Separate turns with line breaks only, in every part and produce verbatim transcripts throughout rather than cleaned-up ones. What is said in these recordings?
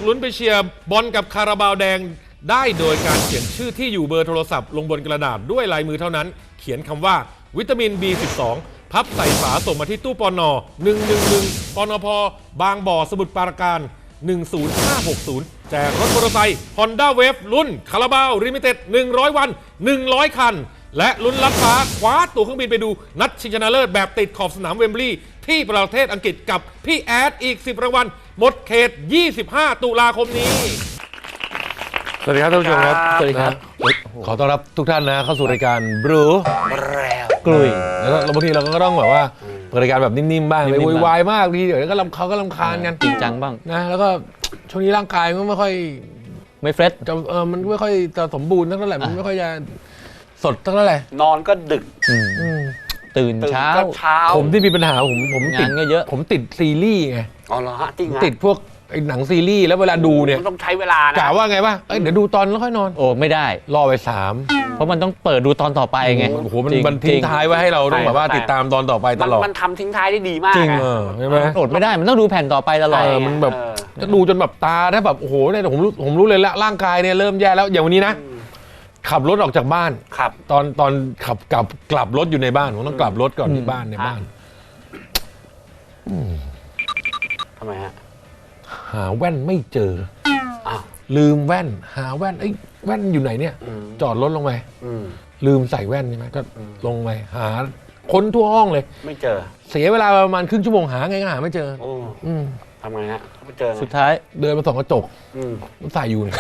กลุ้นไปเชียร์บอลกับคาราบาวแดงได้โดยการเขียนชื่อที่อยู่เบอร์โทรศัพท์ลงบนกระดาษด้วยลายมือเท่านั้นเขียนคำว่าวิตามิน บี สิบสอง พับใส่ฝาส่งมาที่ตู้ปนหนึ่งหนึ่งหนึ่งปนพบางบ่อสมุทรปราการหนึ่งศูนย์ห้าหกศูนย์แจกรถมอเตอร์ไซค์ Honda Wave รุ่นคาราบาวลิมิเต็ดหนึ่งร้อยวันหนึ่งร้อยคันและลุ้นลัดฟ้าคว้าตั๋วเครื่องบินไปดูนัดชิงชนะเลิศแบบติดขอบสนามเวมบลีย์ที่ประเทศอังกฤษกับพี่แอดอีกสิบรางวัลหมดเขตยี่สิบห้าตุลาคมนี้สวัสดีครับท่านผู้ชมครับสวัสดีครับขอต้อนรับทุกท่านนะเข้าสู่รายการบรูกลุยแล้วบางทีเราก็ต้องแบบว่าเปิดรายการแบบนิ่มๆบ้างไม่วุ่นวายมากทีเดี๋ยวก็ลำเขาก็ลำคาญกัน
จริงจังบ้าง
นะแล้วก็ช่วงนี้ร่างกายมันไม่ค่อย
ไม่เฟรช
จะเออมันไม่ค่อยจะสมบูรณ์เท่าไหร่มันไม่ค่อยจะสดเท่าไหร่
นอนก็ดึก
ตื่นเช้า
ผมที่มีปัญหาผมผมติด
ก็เยอะ
ผมติดซีรีส์ไง
อ๋อเหรอฮะจริง
ติดพวกไอ้หนังซีรีส์แล้วเวลาดูเนี่ย
มันต้องใช้เวลานะ
กะว่าไงวะเอ้ยเดี๋ยวดูตอนแล้วค่อยนอน
โอ้ไม่ได้
รอไปสาม
เพราะมันต้องเปิดดูตอนต่อไปไง
โอ้โหมันมันทิ้งท้ายไว้ให้เราต้องแบบว่าติดตามตอนต่อไปตลอด
มันทำทิ้งท้ายได้ดีมาก
จริงเออใช่ไหม
อดไม่ได้มันต้องดูแผ่นต่อไปตลอด
มันแบบจะดูจนแบบตาถ้าแบบโอ้โหเนี่ยผมรู้ผมรู้เลยละร่างกายเนี่ยเริ่มแย่แล้วอย่างวันนี้นะขับรถออกจากบ้าน
ครับ
ตอนตอนขับกลับกลับรถอยู่ในบ้านผมต้องกลับรถก่อนที่บ้านในบ้าน
ทำไมฮะ
หาแว่นไม่เจออ้าวลืมแว่นหาแว่นไอ้แว่นอยู่ไหนเนี่ยจอดรถลงไปลืมใส่แว่นใช่ไหมก็ลงไปหาค้นทั่วห้องเลย
ไม่เจอ
เสียเวลาประมาณครึ่งชั่วโมงหาไงก็หาไม่เจอ
อืมทำไงฮะไม่เจอ
สุดท้าย
เดินมาส่องกระจกมันใส่อยู่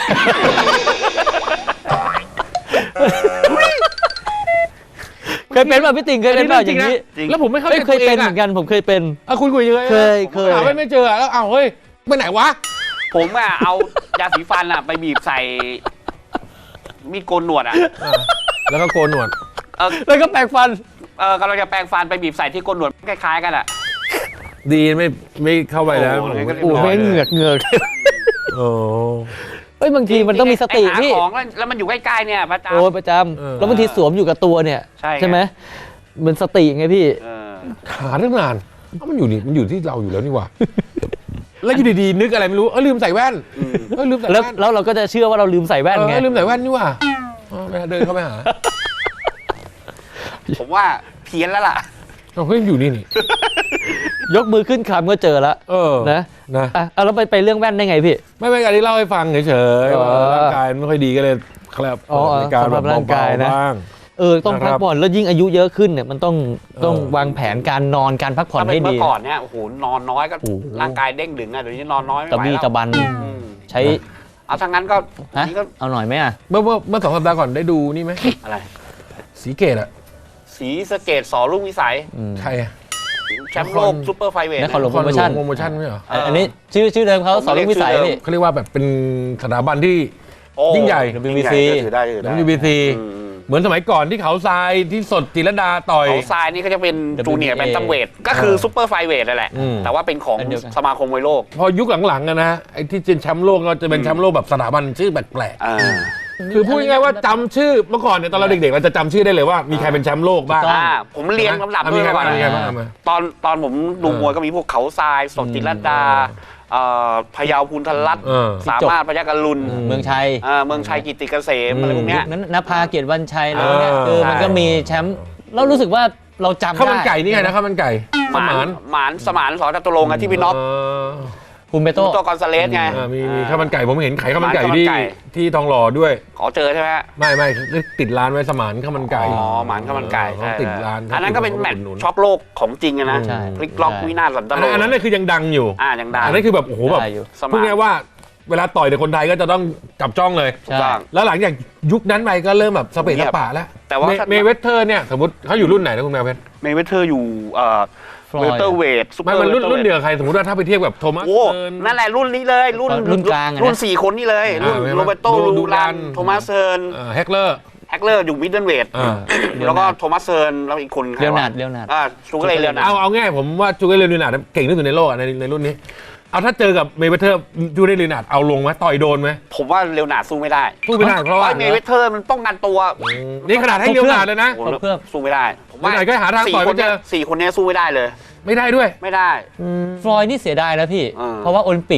เคยเป็นป่ะพี่ติ่งเคยเป็นป่ะอย่างนี้
แล้วผมไม่เข้าใจ
เคยเป็นเหมือนกันผมเคยเป็น
อ่ะคุณคุยยังไง
เคยเคย
หาไม่เจอแล้วเอาเฮ้ยไปไหนวะ
ผมอ่ะเอายาสีฟันอ่ะไปบีบใส่มีดโกนหนวดอ่ะ
แล้วก็โกนหนวด
แล้วก็แปรงฟัน
เออกำลังจะแปรงฟันไปบีบใส่ที่โกนหนวดคล้ายๆกันอ่ะ
ดีไม่ไม่เข้าไปแล้ว
โอ้ไม่เหงือกเหงือก
โอ้
เฮ้ยบางทีมันต้องมีสติพี่
ของแล้วมันอยู่ใกล้ๆเนี่ยประจำ
โอ้ประจำแล้วบางทีสวมอยู่กับตัวเนี่ยใช่ไหมมันสติไงพี่
หาตั้งนานมันอยู่นี่มันอยู่ที่เราอยู่แล้วนี่หว่าแล้วอยู่ดีๆนึกอะไรไม่รู้เออลืมใส่แว่นเออลืมใส่แว่น
แล้วเราก็จะเชื่อว่าเราลืมใส่แว่นไง
ลืมใส่แว่นนี่หว่าเดินเข้าไปหา
ผมว่าเพี้ยนแล้วล่ะ
เราก็ยังอยู่นี่นี่
ยกมือขึ้นคำก็เจอแล้ว
เออ
นะนะอ่ะแล้วไปไปเรื่องแว่นได้ไงพี่
ไม่ไม่การที่เล่าให้ฟังเฉยๆว่าร่างกายไม่ค่อยดีก็เลยครับในการแบบร่างกายนะ
เออต้องพักผ่อนแล้วยิ่งอายุเยอะขึ้นเนี่ยมันต้องต้องวางแผนการนอนการพักผ่อนให้ดี
เมื่อก่อนเนี่ยโอ้โหนอนน้อยก็ร่างกายเด้งดึงอ่ะเดี๋ยวนี้นอนน้อยไม่ไหวแล้ว
ตะบี้ตะบันใช้
เอาทางนั้นก็
เอาหน่อยไหมอ่ะ
เมื่อเมื่อสองสัปดาห์ก่อนได้ดูนี่ไหม
อะไร
สีเกตอะ
สีสเกตสอรุ่งวิสัย
ใครอะ
แชมป์โลกซูเปอร์ไฟเวท
นครหลวงโปรโมชั่น
โปรโมชั่นไม่เหรอ
อันนี้ชื่อชื่อเดิมเขาสอรุ่งวิสัยนี่
เขาเรียกว่าแบบเป็นสถาบันที่ยิ่งใหญ่
ดับเบิลยู บี ซี
ดับเบิลยู บี ซีเหมือนสมัยก่อนที่เขาทรายที่สดจิรดาต่อย
เขาทรายนี่ก็จะเป็นจูเนียร์แบนตัมเวทก็คือซูเปอร์ไฟเวทนั่นแหละแต่ว่าเป็นของสมาคมมวยโลก
พอยุคหลังๆนะไอ้ที่เป็นแชมป์โลกก็จะเป็นแชมป์โลกแบบสถาบันชื่อแปลกๆคือพูดง่ายๆว่าจำชื่อเมื่อก่อนเนี่ยตอนเราเด็กๆเราจะจำชื่อได้เลยว่ามีใครเป็นแชมป์โลกบ้าง
ผมเรียงลำดับด้วยว่าตอนตอนผมดูมวยก็มีพวกเขาทรายสดจิรดาพยาวพูนทรัตน์สามารถพยัคฆรุณ
เมืองชัย
เมืองชัยกิตติเกษมอะไรพวกนี้
นั้นนภาเกียรติวันชัยอะไรพวกนี้คือมันก็มีแชมป์เรารู้สึกว่าเราจำได้
ข้าวมันไก่นี่ไงนะข้าวมันไก่
สมานหมานสมานสอจตุรงค์ที่พี่น็อป
คุณเบโต้
ตัวกอนซาเลสไง
มีมีข้าวมันไก่ผมเห็นขายข้าวมันไก่ที่ที่ทองหล่อด้วย
ขอเจอใช่ไหม
ไม่ไม่ติดร้านไว้สมานข้าวมันไก่
อ๋อหมานข้าวมันไก่
ติดร้าน
อันนั้นก็เป็นแมตช์ช็อกโลกของจริงนะพลิกล็อกวินาศสันตโล
อันนั้นคือยังดังอยู่
อ่ายังดัง
อันนั้นคือแบบโอ้โหแบบพูดง่ายว่าเวลาต่อยในคนไทยก็จะต้องจับจ้องเลยแล้วหลังจากยุคนั้นไปก็เริ่มแบบสเปซสปะแล้ว
แต่ว่า
เมเวเทอร์เนี่ยสมมติเขาอยู่รุ่นไหนนะคุณแมวเพชร
เมเวเทอร์อยู่เวลเตอร์เวทซุปเปอร์
มันรุ่นรุ่นเดียวใครสมมติว่าถ้าไปเทียบกับโทมัสเซิร์น
นั่นแหละรุ่นนี้เลยรุ่น
รุ่นกลาง
รุ่นสี่คนนี่เลยรุ่นโรเบโตลูรันโทมัสเซิร์น
แฮกเลอร์
แฮกเลอร์อยู่มิดเดิลเวทแล้วก็โทมัสเซิร์นแล้วอีกคน
เรียวนาดเรียวนาด
อ่าชูเกอร์เรียวนาด
เอาเอาง่ายผมว่าชูเกอร์เรียวนาดเก่งที่สุดในโลกในในรุ่นนี้เอาถ้าเจอกับเมเวเทอร์จูเลียนาดเอาลงไหมต่อยโดนไหม
ผมว่าเรียวนาดสู้ไม่ได้
สู้ไม่ได้เพราะว่า
เมเวเทอร์มันป้องกันตัว
นี่ขนาดให้เรียวนาดเลยนะ
เพื่อสู้ไม่ได้ผมว่า
ก็หาทางต่อยไม่เจอ
สี่คนนี้สู้ไม่ได้เลย
ไม่ได้ด้วย
ไม่ได้
ฟลอยด์นี่เสียดายนะพี่เพราะว่าโอลิมปิก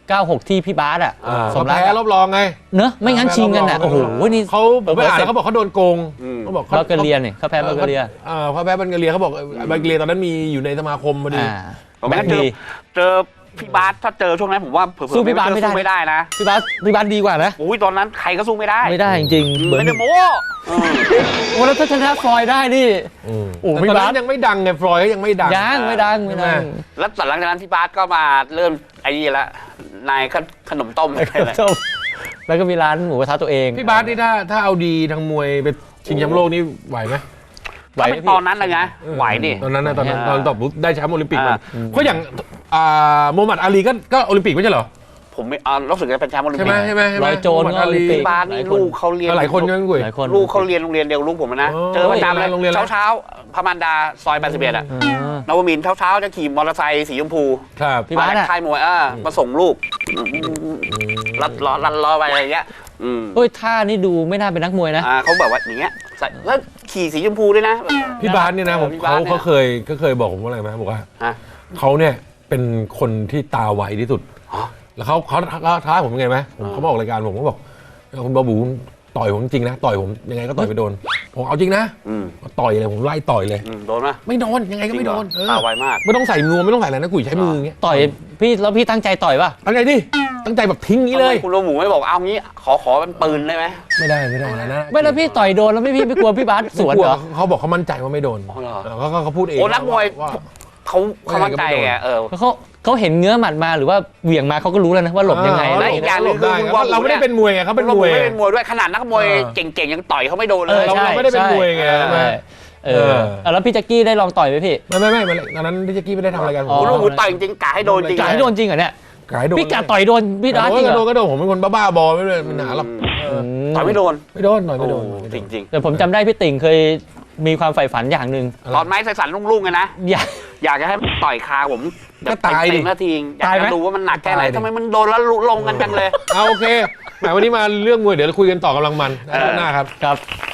เก้าหกที่พี่บาสอ่ะ
อ่า
ส
เขา
มรัก
แพ้รอบรองไง
เนอะไม่งั้นชิงกันอ่ะ
แพ้ร
โอ้
อบ
โห
รอง
นี่
เขาผมไปอ่านแล้วเขาบอกเขาโดนโกง
อืม
เขาบอก
บัลแกเรียเนี่ยเขาแพ้บัลแกเรีย
อ่าเขาแพ้บัลแกเรียเขาบอกบัลแกเรียตอนนั้นมีอยู่ในสมาคมพอดี
อ่า
ผมไม่งั้นเจอ
ดี
เจอพี่บาสถ้าเจอช่วงนั้นผมว่าเผื่อๆ
สู้พี่บาสไม่ได้
สู้ไม่ได้นะ
พี่บาสพี่บาสดีกว่านะ
โอ้ยตอนนั้นใครก็สู้ไม่ได้
ไม่ได้จริงๆเหมือน
ไม่ได้โม้เออ
โอ้แล้วถ้าชนะฟลอยด์ได้นี่ โอ้
แต่
พี่
ตอน
บาส
นั้นยังไม่ดังไงฟลอยด์ก็ยังไม่ดัง
ยังไม่ดังไม่ดัง
แล้วหลังจากนั้นพี่บาสก็มาเริ่มไอ้นี่ละนายขนมต้มอะไรแหละ
จบแล้วก็มีร้านหมูกระทะตัวเอง
พี่บาสนี่ถ้าถ้าเอาดีทางมวยไปชิงแชมป์โลกนี่ไหวไหม
ไหว
ถ้า
ไหม
เป็น
พี่
ตอนนั้นเลยนะไหวดิ
ตอนนั้นนะตอนนั้น
อ่า
ตอนตอบปุ๊บได้แชมป์โอลิมปิกมัน
อ่า
เพราะอย่างอ่าโมฮัมหมัดอาลีก็ก็โอลิมปิกไม่ใช่เหรอ
ผมไม่เอารู้สึกจะเป็นแชมป์โอลิม
ใช่
ปิ
ไหม
ก
ใช่ไหมใช่ไหม
ร้อยโจร
โมฮัมหมัดอาลี
ก็โอลิมปิก
พี่บาสนี่ลูกเขาเรียน
หลายคนยังกุย
หลายคน
ลูกเขาเรียนโรงเรียนเดียวกับลูกผมนะ
อ๋อ
เจอประจำเลย
โรงเรียนอะไร
เช้าเช้าๆพระมารดาซอยแปดสิบเอ็ดอะ
อ่าน
วมินทร์เช้าเช้าๆจะขี่มอเตอร์ไซค์สีชมพู
ครับ
พี่บาส
มา
อะ
ค่ายมวยอ่ามาส่งลูกลัดล้อลัดล้อไปอะไรอย่างเงี้ยอืม
เฮ้ยท่านี่ดูไม่น่าเป็นนักมวยนะ
อ่าเขาแบบว่าอย่างเงี้ยใส่แล้วขี่สีชมพูด้วยนะ
พี่บาสเนี่ยนะผม
พี่บา
เขา
สเนี่ย
เขาเคยเขาเคยบอกผมว่าอะไรไหมบอกว่า
ฮะ
เขาเนี่ยเป็นคนที่ตาไวที่สุด
อ๋อ
แล้วเขาเขาเขาท้าผมยังไงไหมผม
อ่า
เขามาออกรายการผมเขาบอกคุณบาบูต่อยผมจริงนะต่อยผมยังไงก็ต่อยไปโดนผมเอาจริงนะ
อืม
ต่อยเลยผมไล่ต่อยเลย
อืมโดนไหม
ไม่โดนยังไงก็ไม่โดน
จริง
เอ
เหรอ
อ
ตาไวมาก
ไม่ต้องใส่นวมไม่ต้องใส่อะไรนะกุยใช้มืออย่างเงี้ย
ต่อยพี่แล้วพี่ตั้งใจต่อยป่ะ
ตั้งใจดิตั้งใจแบบทิ้งนี้เลย
ทำไมคุณโรหมูไม่บอกเอางี้ขอขอเป็นปืนได้ไหม
ไม่ได้ไม่ได้นะนะ
ไม่แล้วพี่ต่อยโดนแล้วไม่พี่ไม่กลัวพี่บาสสวน
ไม่ก
เห
ลั
รอ
เขาบอกเขามั่นใจว่าไม่โดน
อ๋อเหรอ
เออเขาเขาเขาพูดเอง
โอ้นักมวย
ว่า
เขาเขามั่นใจไงเออ
เขาเขาเห็นเงื้อหมัดมาหรือว่าเหวี่ยงมาเขาก็รู้แล้วนะว่าหลบยังไง
เออ
อะไร
แล้วอีกอย่างหนึ่งคือคุณบอล
เราไม่ได้เป็นมวยไงเขาเป็น
คุณโรห
มวย
ไม่เป็นมวยด้วยขนาดนักมวย
เออ
เก่งๆยังต่อยเขาไม่โดน
เอ
เล
อย
เรา
ใช่
เราไม่ได้เป็น
ใช่
มวยไง
เออ
ใช่ไหม
เออ
เออ
เอาแล้วพี่แจ็คกี้ได้ลองต่อยไหมพี่
ไม่ไม่ไม่ไม่ตอนนั้นพี่แจ็คกี้ไม่ได้ทำอะไรกัน
อ๋อ
คุณโรหมูต่อยจริงๆกะให้โดนจริง
กะให้โดนจริงเหรอเนี่ย
กายโดน
พี่กะต่อยโดนพี่บาสจริง
ก็
เหร
โด
อน
ก็โดนผมเป็นคนบ้าๆบอไม่เป็นปัญหาหรอกเออ
ต่อยไม่โดน
ไม่โดนหน่อยไม่โดน
โอ้
ไม่โด
จ
น
ริง
แต่ผมจำได้พี่ติ่งเคยมีความใฝ่ฝันอย่างหนึ่ง
ๆตอนไม้ใส่สันลุ่งๆไงนะ
อยาก
อยากจะให้ต่อยคาผม
ก็ตายดิ
เต็มๆนาทีอยาก
ตายไหม
จะรู้ว่ามันหนักแค่ไหน
ตายดิ
ทำไมมันโดนแล้วลุลงกันจังเลย
เอาโอเคแหมวันนี้มาเรื่องมวยเดี๋ยวเราคุยกันต่อกำลังมัน
เออ
หน้าครับ
ครับ